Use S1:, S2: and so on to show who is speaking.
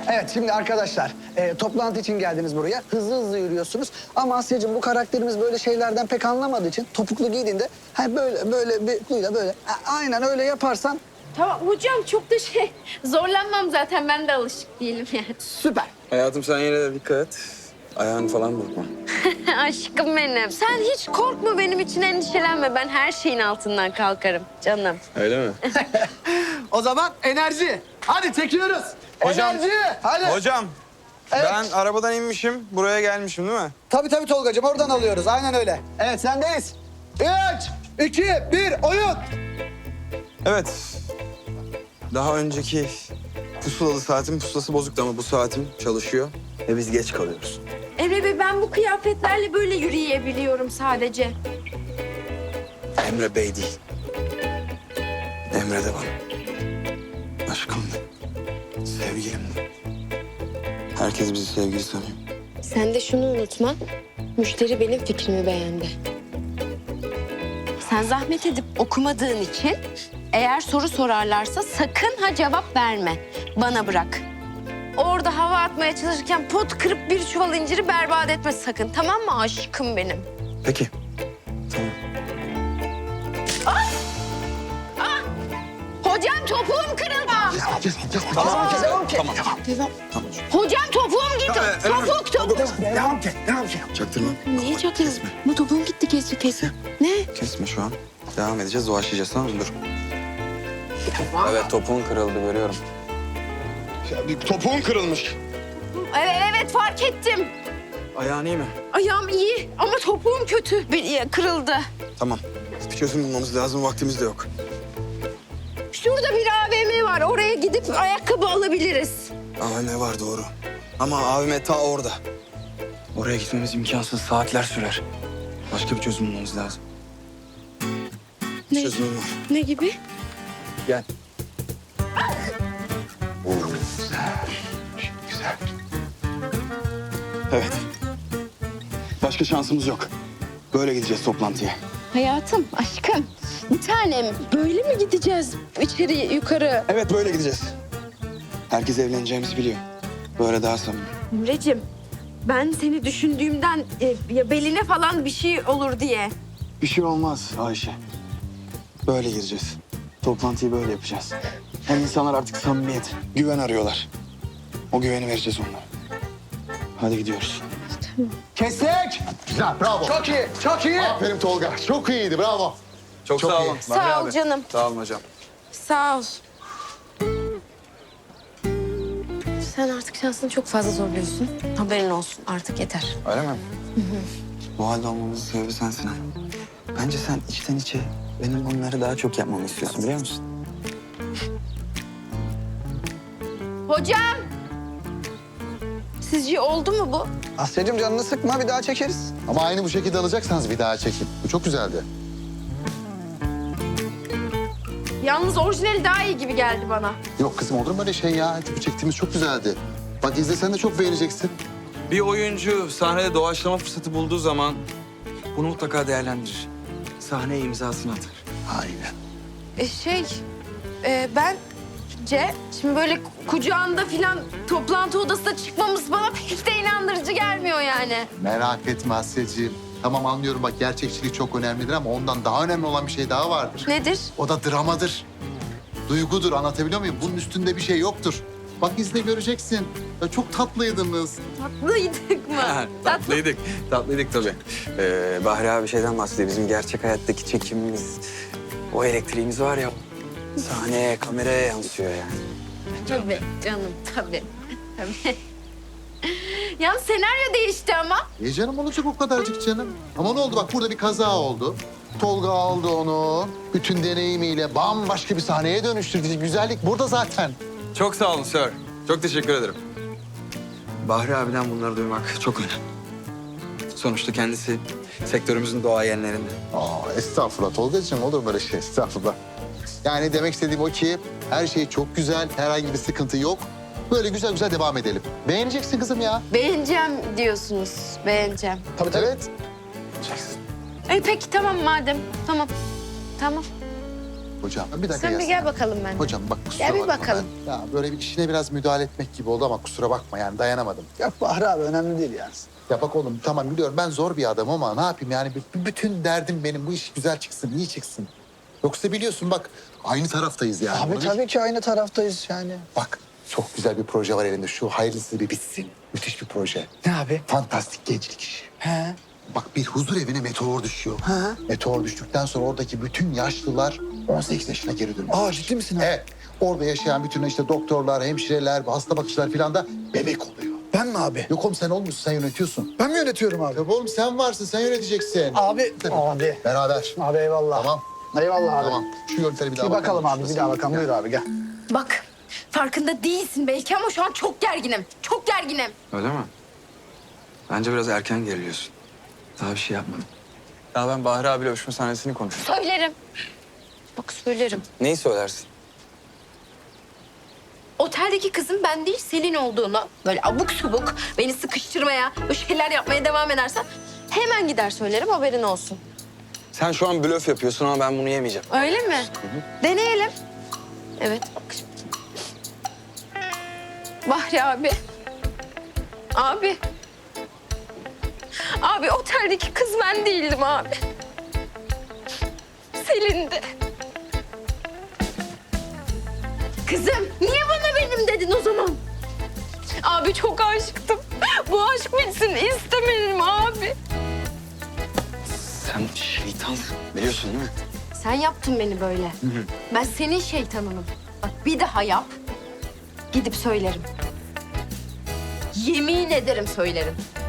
S1: Evet şimdi arkadaşlar toplantı için geldiniz buraya. Hızlı hızlı yürüyorsunuz. Ama Asya'cığım bu karakterimiz böyle şeylerden pek anlamadığı için topuklu giydiğinde böyle bir kuyla böyle aynen öyle yaparsan
S2: Tamam hocam çok da zorlanmam zaten ben de alışık değilim yani.
S1: süper.
S3: Hayatım sen yine de dikkat et. Ayağını falan burkma.
S2: Aşkım benim. Sen hiç korkma benim için endişelenme. Ben her şeyin altından kalkarım canım.
S3: Öyle mi?
S1: O zaman enerji. Hadi çekiyoruz.
S3: Hocam.
S1: Enerji. Hadi.
S3: Hocam
S1: Evet.
S3: ben arabadan inmişim. Buraya gelmişim değil mi?
S1: Tabii Tolgacığım oradan alıyoruz. Aynen öyle. Evet sendeyiz. 3, 2, 1 oyun.
S3: Evet. Daha önceki pusulalı saatin pusulası bozuktu ama bu saatim çalışıyor. Ve biz geç kalıyoruz.
S2: Emre Bey ben bu kıyafetlerle böyle yürüyebiliyorum sadece.
S3: Emre Bey değil. Emre de bana. Aşkım da. Sevgilim de. Herkes bizi sevgili sanıyor.
S2: Sen de şunu unutma. Müşteri benim fikrimi beğendi. Sen zahmet edip okumadığın için eğer soru sorarlarsa sakın ha cevap verme. Bana bırak. Orada hava atmaya çalışırken pot kırıp bir çuval inciri berbat etme sakın. Tamam mı aşkım benim?
S3: Peki. Tamam.
S2: Hocam topuğum kırıldı.
S1: Devam ki.
S3: Tamam.
S2: Hocam topuğum gitti.
S3: Tamam,
S2: Topuk.
S1: Devam ki.
S3: Çaktırma.
S2: Niye çakıyorsun? Bu topuğum gitti kesin. Ne?
S3: Kesme şu an. Devam edeceğiz, doğaçlayacağız tamam mı? Dur. Evet, topuğun kırıldı görüyorum. Ya bir topuğun kırılmış.
S2: Evet fark ettim.
S3: Ayağın iyi mi?
S2: Ayağım iyi ama topuğum kötü. Kırıldı.
S3: Tamam. Bir çözüm bulmamız lazım, vaktimiz de yok.
S2: Şurada bir AVM var. Oraya gidip ayakkabı alabiliriz.
S3: AVM var doğru. Ama AVM ta orada. Oraya gitmemiz imkansız, saatler sürer. Başka bir çözüm bulmamız lazım.
S2: Ne?
S3: Çözümüm var.
S2: Ne gibi?
S3: Gel.
S4: Güzel.
S3: Evet. Başka şansımız yok. Böyle gideceğiz toplantıya.
S2: Hayatım, aşkım, bir tanem. Böyle mi gideceğiz içeri yukarı?
S3: Evet böyle gideceğiz. Herkes evleneceğimizi biliyor. Böyle daha samimi.
S2: Emre'cim, ben seni düşündüğümden ya beline falan bir şey olur diye.
S3: Bir şey olmaz Ayşe. Böyle gireceğiz. Toplantıyı böyle yapacağız. Hem insanlar artık samimiyet, güven arıyorlar. O güveni vereceğiz onlara. Hadi gidiyoruz.
S1: Kestik.
S4: Güzel, bravo.
S1: Çok iyi. Çok iyi.
S4: Aferin Tolga. Çok iyiydi, bravo.
S3: Çok,
S4: Çok
S3: sağ
S4: iyi.
S3: olun.
S2: Sağ
S3: Bahri
S2: ol
S3: abi.
S2: canım.
S3: Sağ olun hocam.
S2: Sağ ol. Sen artık şansını çok fazla zorluyorsun. Haberin olsun artık yeter.
S3: Öyle mi? Bu halde olmamızın sebebi sensin ha. Bence sen içten içe benim bunları daha çok yapmamı istiyorsun biliyor musun?
S2: Hocam! Sizce oldu mu bu?
S1: Asya'cığım canını sıkma bir daha çekeriz.
S4: Ama aynı bu şekilde alacaksanız bir daha çekin. Bu çok güzeldi.
S2: Yalnız orijinali daha iyi gibi geldi bana.
S4: Yok kızım olur mu öyle şey ya? Bu çektiğimiz çok güzeldi. Bak izlesen de çok beğeneceksin.
S3: Bir oyuncu sahnede doğaçlama fırsatı bulduğu zaman bunu mutlaka değerlendirir. Sahneye imzasını atar.
S4: Aynen.
S2: Bence şimdi böyle kucağında filan toplantı odasına çıkmamız bana pek de inandırıcı gelmiyor yani.
S4: Merak etme Asya'cığım. Tamam anlıyorum bak gerçekçilik çok önemlidir ama ondan daha önemli olan bir şey daha vardır.
S2: Nedir?
S4: O da dramadır. Duygudur anlatabiliyor muyum? Bunun üstünde bir şey yoktur. Bak izle göreceksin. Ya çok tatlıydınız.
S2: Tatlıydık mı?
S3: Tatlıydık. Tatlıydık tabii. Bahri abi şeyden bahsediyor. Bizim gerçek hayattaki çekimimiz, o elektriğimiz var ya, sahneye, kameraya yansıyor yani.
S2: Tabii canım tabii. Tabii. Yalnız senaryo değişti ama.
S4: Canım olacak o kadarcık canım. Ama ne oldu bak burada bir kaza oldu. Tolga aldı onu. Bütün deneyimiyle bambaşka bir sahneye dönüştürdü. Güzellik burada zaten.
S3: Çok sağ olun sir. Çok teşekkür ederim. Bahri abiden bunları duymak çok önemli. Sonuçta kendisi sektörümüzün doğayenlerinde.
S4: Estağfurullah Tolgacığım olur böyle şey estağfurullah. Yani demek istediğim o ki her şey çok güzel, herhangi bir sıkıntı yok. Böyle güzel güzel devam edelim. Beğeneceksin kızım ya.
S2: Beğeneceğim diyorsunuz. Beğeneceğim.
S4: Tabii tabii. Evet.
S3: Jackson.
S2: Peki tamam madem. Tamam. Tamam.
S4: Hocam bir dakika
S2: Sen bir
S4: gelsene.
S2: gel bakalım ben.
S4: Hocam bak kusura
S2: Gel bir
S4: bakma
S2: bakalım.
S4: ben. Ya böyle bir işine biraz müdahale etmek gibi oldu ama kusura bakma yani dayanamadım.
S1: Yok Bahri abi önemli değil yani.
S4: Ya bak oğlum tamam biliyorum ben zor bir adamım ama ne yapayım yani bütün derdim benim bu iş güzel çıksın, iyi çıksın. Yoksa biliyorsun bak aynı taraftayız yani.
S1: Abi
S4: Bunu
S1: tabii ki aynı taraftayız yani.
S4: Bak çok güzel bir proje var elinde. Şu hayırlısı bir bitsin. Müthiş bir proje.
S1: Ne abi?
S4: Fantastik gençlik işi.
S1: He.
S4: Bak bir huzur evine meteor düşüyor.
S1: Ha.
S4: Meteor düştükten sonra oradaki bütün yaşlılar 18 yaşına geri dönüyor.
S1: Aa ciddi misin abi?
S4: Evet. Orada yaşayan bütün işte doktorlar, hemşireler, hasta bakıcılar falan da bebek oluyor.
S1: Ben mi abi?
S4: Yok oğlum sen olmuşsun, sen yönetiyorsun.
S1: Ben mi yönetiyorum abi?
S4: Yok oğlum sen varsın, sen yöneteceksin.
S1: Abi. Abi.
S4: Beraber.
S1: Abi eyvallah.
S4: Tamam.
S1: Eyvallah abi.
S4: Tamam. Şu yöntemi bir daha
S1: Bir bakalım abi, bir daha bakalım. Buyur abi gel.
S2: Bak farkında değilsin belki ama şu an çok gerginim. Çok gerginim.
S3: Öyle mi? Bence biraz erken geriliyorsun. Daha bir şey yapmadım. Ya ben Bahri abiyle öpüşme sahnesini konuştum.
S2: Söylerim. Bak söylerim.
S3: Neyi söylersin?
S2: Oteldeki kızın ben değil Selin olduğunu böyle abuk subuk beni sıkıştırmaya, böyle şeyler yapmaya devam edersen hemen gider söylerim haberin olsun.
S3: Sen şu an blöf yapıyorsun ama ben bunu yemeyeceğim.
S2: Öyle mi? Deneyelim. Evet bak şimdi. Bahri abi. Abi. Abi oteldeki kız ben değildim abi. Selin'di. Kızım niye bana benim dedin o zaman? Abi çok aşıktım. Bu aşk bitsin istemedim abi.
S3: Sen şeytansın. Biliyorsun değil mi?
S2: Sen yaptın beni böyle. Ben senin şeytanınım. Bak bir daha yap. Gidip söylerim. Yemin ederim söylerim.